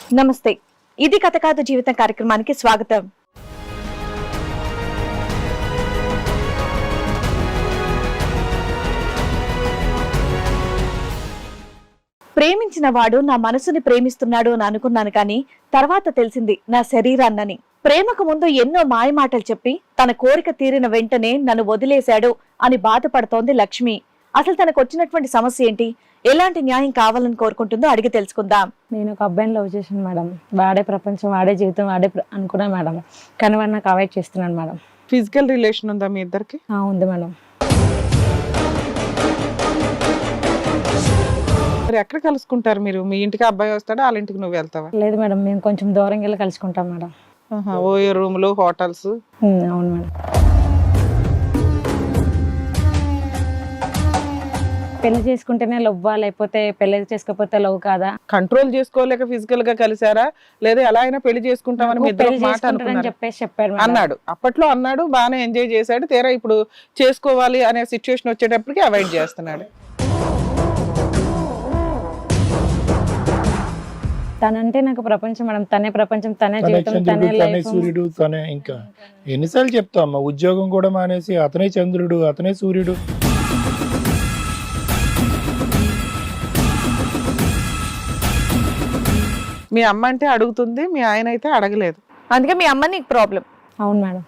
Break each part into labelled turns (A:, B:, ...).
A: నమస్తే, ఇది కథ కాదు జీవితం కార్యక్రమానికి స్వాగతం. ప్రేమించిన వాడు నా మనసుని ప్రేమిస్తున్నాడు అని అనుకున్నాను, కానీ తర్వాత తెలిసింది నా శరీరాన్నని. ప్రేమకు ముందు ఎన్నో మాయమాటలు చెప్పి తన కోరిక తీరిన వెంటనే నన్ను వదిలేశాడు అని బాధపడుతోంది లక్ష్మి. అసలు తనకు వచ్చినటువంటి సమస్య ఏంటి, ఎలాంటి న్యాయం కావాలని కోరుకుంటుందో అడిగి తెలుసుకుందాం.
B: నేను ఒక అబ్బాయిని లవ్ చేశాను మేడం. వాడే ప్రపంచం, వాడే జీవితం, వాడే అనుకున్నా మేడం. కానీ వాడు నాకు అవాయిడ్ చేస్తున్నాడు మేడం.
C: ఫిజికల్ రిలేషన్ ఉందా మీ ఇద్దరికి?
B: ఉంది మేడం.
C: మరి ఎక్కడ కలుసుకుంటారు మీరు? మీ ఇంటికి అబ్బాయి వస్తాడా, వాళ్ళ ఇంటికి నువ్వు వెళ్తావా?
B: లేదు మేడం, మేము కొంచెం దూరంగా వెళ్ళి కలుసుకుంటాం మేడం.
C: ఓయో రూమ్లు, హోటల్స్?
B: అవును మేడం. పెళ్లి చేసుకుంటేనే లవ్, లేకపోతే పెళ్లి చేసుకోకపోతే లవ్ కాదా?
C: కంట్రోల్ చేసుకోలేక ఫిజికల్ గా కలిసారా, లేదా ఎలా అయినా పెళ్లి చేసుకుంటామని మీ ఇద్దరు మాట అనుకున్నారా?
B: చెప్పేసి చెప్పారు
C: అన్నాడు, అప్పట్లో అన్నాడు, బాగానే ఎంజాయ్ చేశాడు. తీరా ఇప్పుడు చేసుకోవాలి అనే సిచ్యువేషన్ వచ్చేటప్పటికి అవాయిడ్ చేస్తున్నాడు.
B: తనంటే నాకు ప్రపంచం మేడం. తనే ప్రపంచం, తనే జీవితం, తనే
D: తనే
B: లైఫ్.
D: సూర్యుడు, తనే. ఇంకా ఎన్నిసార్లు చెప్తాం అమ్మా, ఉద్యోగం కూడా మానేసి అతనే చంద్రుడు, అతనే సూర్యుడు.
C: మీ అమ్మ అంటే అడుగుతుంది, మీ ఆయన అయితే అడగలేదు.
A: అందుకే మీ అమ్మ నీకు ప్రాబ్లం.
B: అవును మేడం.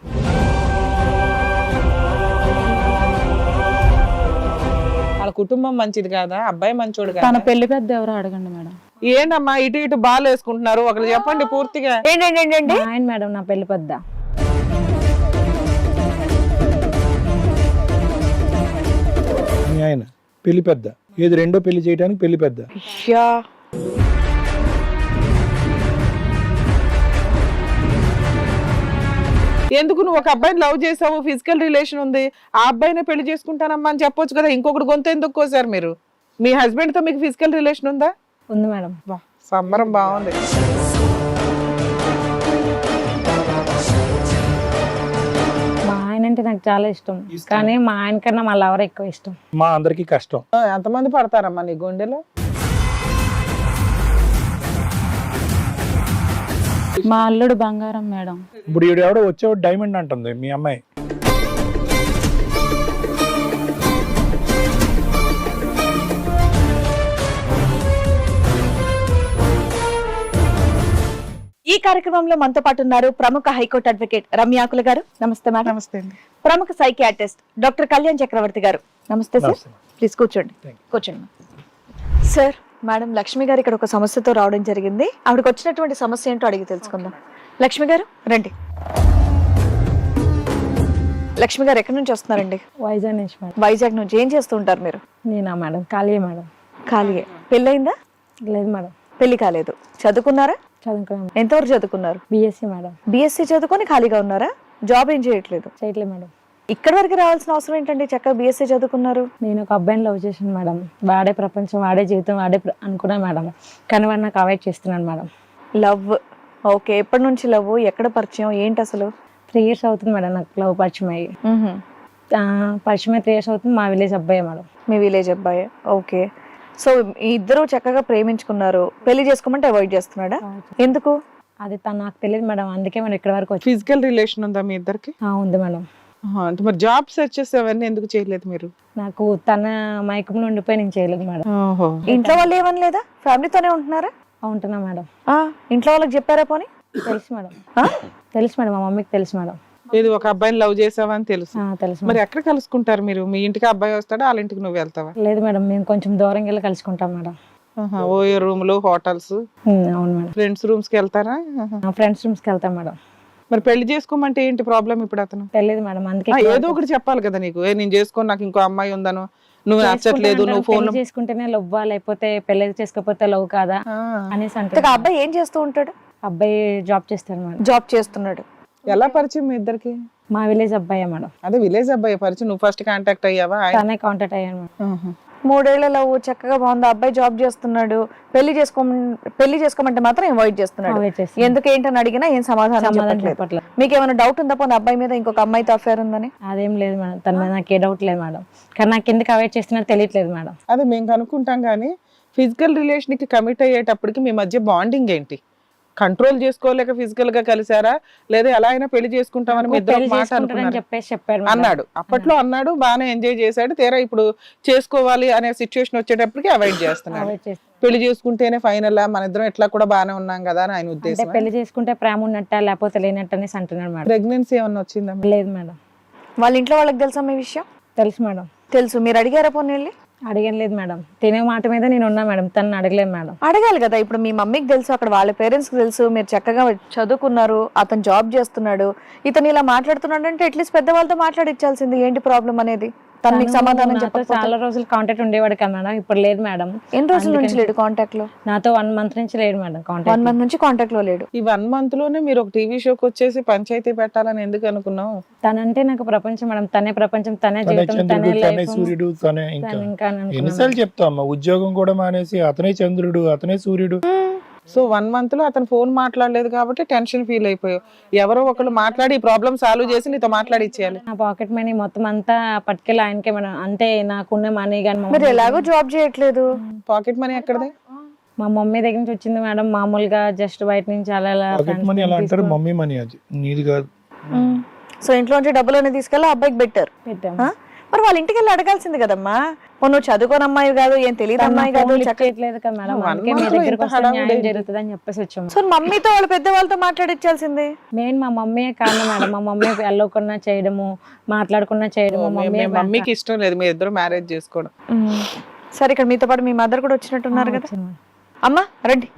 C: వాళ్ళ కుటుంబం మంచిది కాదా, అబ్బాయి మంచోడు
B: తన
C: కాదా?
B: పెళ్లి పెద్ద ఎవరో అడగండి మేడం.
C: ఏంటమ్మా ఇటు ఇటు బాల్ వేసుకుంటున్నారు, ఒకరు చెప్పండి పూర్తిగా.
A: ఏంటండి
B: ఆయన మేడం నా పెళ్లి పెద్ద.
D: మీ ఆయన పెళ్లి పెద్ద, ఏది రెండో పెళ్లి చేయడానికి పెళ్లి పెద్ద.
C: ఎందుకు నువ్వు ఒక అబ్బాయిని లవ్ చేసావు, ఫిజికల్ రిలేషన్ ఉంది, ఆ అబ్బాయినే పెళ్లి చేసుకుంటానమ్మా అని చెప్పొచ్చు కదా. ఇంకొకటి గొంతు ఎందుకు కోసారు మీరు? మీ హస్బెండ్ తో మీకు ఫిజికల్ రిలేషన్ ఉందా?
B: ఉంది మేడం.
C: వా, సంబరం బాగుంది.
B: మా ఆయన అంటే నాకు చాలా ఇష్టం, కానీ మా ఆయన కన్నా మా లవర్ ఎక్కువ ఇష్టం.
D: మా అందరికి కష్టం.
C: ఎంతమంది పడతారమ్మా నీ గుండెలో?
B: మా అల్లుడు బంగారం మేడం.
D: ఇప్పుడు ఈడు ఎవడో వచ్చేవాడు డైమండ్ అంటుంది మీ అమ్మాయి.
A: ఈ కార్యక్రమంలో మనతో పాటు ఉన్నారు ప్రముఖ హైకోర్టు అడ్వకేట్ రమ్యాకుల గారు. నమస్తే మేడం.
C: నమస్తే అండి.
A: ప్రముఖ సైకియాట్రిస్ట్ డాక్టర్ కళ్యాణ్ చక్రవర్తి గారు. నమస్తే సార్.
D: నమస్తే.
A: ప్లీజ్ కూర్చోండి. కూర్చోండి సార్. మేడం, లక్ష్మి గారు ఇక్కడ ఒక సమస్యతో రావడం జరిగింది. ఆవిడకి వచ్చినటువంటి సమస్య ఏంటో అడిగి తెలుసుకుందాం. లక్ష్మి గారు రండి. లక్ష్మి గారు ఎక్కడి నుంచి వస్తున్నారండి?
B: వైజాగ్ నుంచి మేడం.
A: వైజాగ్ నుంచి. ఏం చేస్తూ ఉంటారు మీరు?
B: నేనా మేడం? ఖాళీయే మేడం.
A: ఖాళీయే. పెళ్ళయిందా?
B: లేదు మేడం.
A: పెళ్లి కాలేదు. చదువుకున్నారా?
B: చదువుకున్నాను.
A: ఎంతవరకు చదువుకున్నారు?
B: BSc madam.
A: బిఎస్సీ చదువుకొని ఖాళీగా ఉన్నారా? జాబ్ ఏం చేయట్లేదు?
B: చేయట్లేదు మేడం.
A: ఇక్కడ వరకు రావాల్సిన అవసరం ఏంటండి? చక్కగా బిఎస్సీ చదువుకున్నారు.
B: నేను ఒక అబ్బాయిని లవ్ చేశాను మేడం. వాడే ప్రపంచం, వాడే జీవితం, వాడే అనుకున్నా మేడం. కానీ వాడు నాకు అవాయిడ్ చేస్తున్నాడు మేడం.
A: లవ్. ఓకే. ఎప్పటి నుంచి లవ్? ఎక్కడ పరిచయం? ఏంటి అసలు?
B: 3 years అవుతుంది మేడం నాకు లవ్ పరిచయం అయ్యి. పరిచయం 3 years అవుతుంది. మా విలేజ్ అబ్బాయి మేడం.
A: మీ విలేజ్ అబ్బాయి. ఓకే. సో ఇద్దరు చక్కగా ప్రేమించుకున్నారు. పెళ్లి చేసుకోమంటే అవాయిడ్ చేస్తున్నాడా? ఎందుకు?
B: అది తను నాకు తెలియదు మేడం. అందుకే మనం ఇక్కడ వరకు వచ్చి.
C: ఫిజికల్ రిలేషన్ ఉందా మీ ఇద్దరికి?
B: ఉంది మేడం.
C: అంటే మరి జాబ్ సెర్చెస్ అవన్నీ ఎందుకు చేయలేదు మీరు?
B: నాకు తన మైకంలో ఉండిపోయి నేను చేయలేదు మేడం.
A: ఇంట్లో వాళ్ళు ఏమని లేదా? ఫ్యామిలీతోనే ఉంటున్నారా?
B: ఉంటున్నా మేడం.
A: ఇంట్లో వాళ్ళకి చెప్పారా పోనీ?
B: తెలుసు మేడం. తెలుసు మేడం, మా మమ్మీకి తెలుసు మేడం.
C: ఇది ఒక అబ్బాయిని లవ్ చేసావని తెలుసు.
B: తెలుసు.
C: మరి ఎక్కడ కలుసుకుంటారు మీరు? మీ ఇంటికి అబ్బాయి వస్తాడా, వాళ్ళ ఇంటికి నువ్వు వెళ్తావా?
B: లేదు మేడం, మేము కొంచెం దూరంగా వెళ్ళి కలుసుకుంటాం మేడం.
C: ఓయో రూమ్లు, హోటల్స్?
B: అవును మేడం.
C: ఫ్రెండ్స్ రూమ్స్ కి వెళ్తారా?
B: ఫ్రెండ్స్ రూమ్స్ కి వెళ్తాం మేడం.
C: మరి పెళ్లి చేసుకోమంటే ఏంటి ప్రాబ్లం ఇప్పుడు? అతను
B: తెలియదు మేడం. అందుకే
C: ఏదో ఒకటి చెప్పాలి కదా నీకు. నేను చేసుకోని నాకు ఇంకో అమ్మాయి ఉందను, నువ్వు నచ్చట్లేదు, నువ్వు ఫోన్
B: చేసుకుంటేనే లవ్, లేకపోతే పెళ్లి చేసుకోకపోతే లవ్ కాదా అనేసి అంటే.
A: అబ్బాయి ఏం చేస్తూ ఉంటాడు?
B: అబ్బాయి జాబ్ చేస్తాడు మేడం.
A: జాబ్ చేస్తున్నాడు.
C: ఎలా పరిచయం మీ ఇద్దరికి?
B: మా విలేజ్ అబ్బాయి మేడం.
C: అదే విలేజ్ అబ్బాయి పరిచయం. నువ్వు ఫస్ట్ కాంటాక్ట్ అయ్యావా?
B: తనే కాంటాక్ట్ అయ్యాను మేడం.
A: 3 ఏళ్ల లవ్ చక్కగా బాగుంది. అబ్బాయి జాబ్ చేస్తున్నాడు. పెళ్లి చేసుకోమంటే మాత్రం అవాయిడ్ చేస్తున్నాడు. ఎందుకు ఏంటని అడిగినా ఏం సమాధానం చెప్పట్లేదు. మీకు ఏమైనా డౌట్ ఉందా పోనీ అబ్బాయి మీద ఇంకొక అమ్మాయితో అఫేర్ ఉందని?
B: అదేం లేదు మేడం. తన మీద నాకు ఏ డౌట్ లేదు మేడం. కానీ నాకు ఎందుకు అవాయిడ్ చేస్తున్నట్టు తెలియట్లేదు మేడం.
C: అదే మేము కనుక్కుంటాం. కానీ ఫిజికల్ రిలేషన్ కి కమిట్ అయ్యేటప్పటికి మీ మధ్య బాండింగ్ ఏంటి? కంట్రోల్ చేసుకోలేక ఫిజికల్ గా కలిసారా లేదా ఎలా అయినా పెళ్లి చేసుకుంటామని మీ ఇద్దరు
B: పెళ్లి
C: మాట
B: చేసుకుంటానని
C: అనుకున్నారు?
B: చెప్పేసి చెప్పారు మేడం.
C: అన్నాడు, అప్పట్లో అన్నాడు, బాగానే ఎంజాయ్ చేశాడు. తీరా ఇప్పుడు చేసుకోవాలి అనే సిచ్యువేషన్ వచ్చేటప్పటికి అవాయిడ్ చేస్తున్నాడు.
B: Avoid చేస్తాను.
C: పెళ్లి చేసుకుంటేనే ఫైనల్, మన ఇద్దరం ఎట్లా కూడా బాగానే ఉన్నాం కదా అని ఆయన
B: అంటే
C: ఉద్దేశం.
B: పెళ్లి చేసుకుంటే ప్రేమ ఉన్నట్ట లేకపోతే లేనట్టు అనేసి అంటున్నాడు మేడం.
C: ప్రెగ్నెన్సీ ఏమన్నా వచ్చిందా?
B: లేదు మేడం.
A: వాళ్ళ ఇంట్లో వాళ్ళకి తెలుసా మీ విషయం?
B: తెలుసు మేడం.
A: తెలుసు. మీరు అడిగారా పోనీ వెళ్ళి?
B: అడగలేదు మేడం. తినే మాట మీద నేను ఉన్నా మేడం, తను అడగలేదు మేడం.
A: అడగాలి కదా. ఇప్పుడు మీ మమ్మీకి తెలుసు, అక్కడ వాళ్ళ పేరెంట్స్ కి తెలుసు, మీరు చక్కగా చదువుకున్నారు, అతను జాబ్ చేస్తున్నాడు, ఇతను ఇలా మాట్లాడుతున్నాడు అంటే అట్లీస్ట్ పెద్దవాళ్ళతో మాట్లాడిచ్చాల్సింది ఏంటి ప్రాబ్లం అనేది. తను మీకు సమాధానం
B: నాతో
A: చెప్పకపోతే
B: చాలా రోజులు కాంటాక్ట్ ఉండేవాడు కదా మేడం, ఇప్పుడు లేదు మేడం.
A: ఎన్ని రోజుల నుంచి లేడు కాంటాక్ట్ లో?
B: నాతో 1 month నుంచి లేడు మేడం
A: 1
B: కాంటాక్ట్.
A: month నుంచి కాంటాక్ట్ లో లేడు.
C: ఈ 1 month లోనే మీరు ఒక టీవీ షోకి వచ్చేసి పంచాయతీ పెట్టాలని ఎందుకు అనుకున్నావు?
B: తనంటే నాకు ప్రపంచం మేడం, తనే ప్రపంచం, తనే
D: తనే
B: జీవితం, తనే
D: చంద్రుడు, తనే
B: లైఫ్.
D: సూర్యుడు, తనే ఇంకా
B: ఇంకా
D: ఎన్నిసార్లు చెప్తావు అమ్మ? ఉద్యోగం కూడా మానేసి అతనే చంద్రుడు, అతనే సూర్యుడు.
C: సో 1 month లో అతను ఫోన్ మాట్లాడలేదు కాబట్టి టెన్షన్ ఫీల్ అయిపోయావు. ఎవరో ఒకళ్ళు మాట్లాడి ఈ ప్రాబ్లం సాల్వ్ చేసి నీతో మాట్లాడి ఇచ్చేయాలి.
B: నా పాకెట్ మనీ మొత్తం అంతా పట్టుకెళ్ళి ఆయనకే మేడం. అంటే నాకున్న మనీ కానీ
A: మీరు ఎలాగో జాబ్ చేయట్లేదు.
C: పాకెట్ మనీ ఎక్కడదే?
B: మా మమ్మీ దగ్గర నుంచి వచ్చింది మేడం. మామూలుగా జస్ట్ బయట నుంచి అలా అలా
D: పాకెట్ మనీ అలా అంటారు, మమ్మీ మనీ అది నీది కాదు.
A: సో ఇంట్లోంచి డబ్బులు తీసుకెళ్ళి ఆ అబ్బాయికి బెటర్.
B: పెట్టాము.
A: మరి వాళ్ళ ఇంటికి వెళ్ళి అడగాల్సింది కదమ్మా. నువ్వు చదువుకోని అమ్మాయి కాదు, ఏం తెలియదు అమ్మాయి కాదు,
B: చేయట్లేదు కదా మేడం,
C: 1
B: అందుకే మీ
C: month లో
B: దగ్గరకు
C: ఇంత
B: వస్తే
C: హడావుడి
B: న్యాయం
C: ఏంటి?
B: జరుగుతుంది అని చెప్పేసి వచ్చాము.
A: సో మమ్మీతో వాళ్ళ పెద్దవాళ్ళతో మాట్లాడిచ్చాల్సింది.
B: మెయిన్ మా మమ్మీయే కారణం మేడం. మా మమ్మీ వెళ్ళకుండా చేయడము, మాట్లాడకుండా చేయడము,
C: మీ మమ్మీకి ఇష్టం లేదు మీ ఇద్దరు మ్యారేజ్ చేసుకోవడం.
A: సరే, ఇక్కడ మీతో పాటు మీ మదర్ కూడా వచ్చినట్టున్నారు కదా. అమ్మా రండి.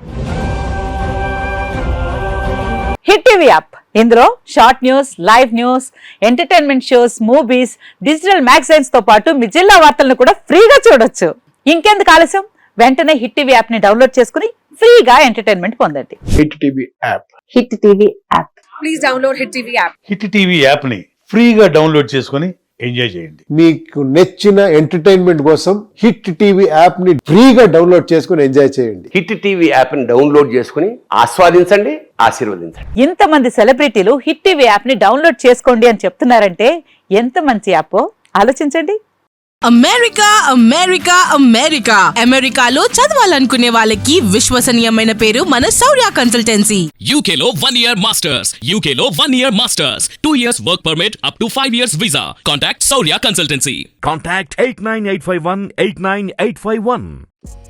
E: హిట్ టీవీ యాప్, ఇందులో short news, live news, entertainment shows, movies, digital magazines తో పాటు మీ జిల్లా వార్తలను కూడా ఫ్రీగా చూడొచ్చు. ఇంకెందుకు ఆలస్యం, వెంటనే హిట్ టీవీ యాప్ ని డౌన్లోడ్ చేసుకుని ఫ్రీగా ఎంటర్టైన్మెంట్ పొందండి.
F: Hit TV app.
E: Hit TV app.
F: Hit TV app ని ఫ్రీగా డౌన్లోడ్ చేసుకొని ఎంజాయ్ చేయండి.
G: మీకు నచ్చిన ఎంటర్టైన్మెంట్ కోసం హిట్ టీవీ యాప్ ని ఫ్రీగా డౌన్లోడ్ చేసుకుని ఎంజాయ్ చేయండి.
H: హిట్ టీవీ యాప్ ని డౌన్లోడ్ చేసుకుని ఆస్వాదించండి, ఆశీర్వదించండి.
E: ఇంతమంది సెలబ్రిటీలు హిట్ టీవీ యాప్ ని డౌన్లోడ్ చేసుకోండి అని చెప్తున్నారంటే ఎంత మంచి యాప్ ఆలోచించండి.
I: అమెరికా అమెరికా అమెరికా అమెరికాలో చదవాలనుకునే వాళ్ళకి విశ్వసనీయమైన పేరు మన శౌర్య కన్సల్టెన్సీ.
J: UK లో 1 year masters. UK లో 1 year masters. 2 years work permit up to 5 years visa. Contact Saurya Consultancy.
K: Contact 89851 89851.